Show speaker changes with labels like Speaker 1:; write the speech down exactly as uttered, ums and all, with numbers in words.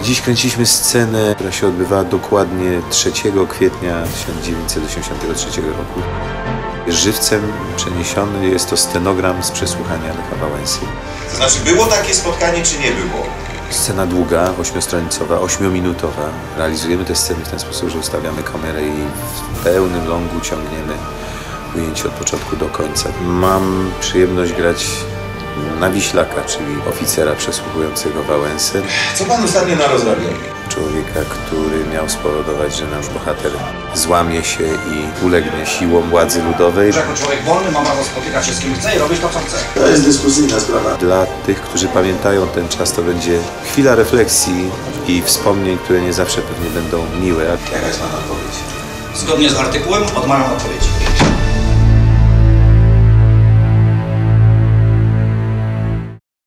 Speaker 1: Dziś kręciliśmy scenę, która się odbywała dokładnie trzeciego kwietnia tysiąc dziewięćset osiemdziesiątego trzeciego roku. Żywcem przeniesiony jest to stenogram z przesłuchania Lecha Wałęsy.
Speaker 2: To znaczy, było takie spotkanie, czy nie było?
Speaker 1: Scena długa, ośmiostronicowa, ośmiominutowa. Realizujemy te sceny w ten sposób, że ustawiamy kamerę i w pełnym longu ciągniemy ujęcie od początku do końca. Mam przyjemność grać na Wiślaka, czyli oficera przesłuchującego Wałęsę.
Speaker 2: Co pan ostatnio na rozrabiał?
Speaker 1: Człowieka, który miał spowodować, że nasz bohater złamie się i ulegnie siłom władzy ludowej.
Speaker 3: Że jako człowiek wolny ma prawo spotykać się z kim chce i robić to, co chce.
Speaker 2: To jest dyskusyjna sprawa.
Speaker 1: Dla tych, którzy pamiętają ten czas, to będzie chwila refleksji i wspomnień, które nie zawsze pewnie będą miłe.
Speaker 2: Jaka jest pana odpowiedź?
Speaker 3: Zgodnie z artykułem odmawiam odpowiedzi.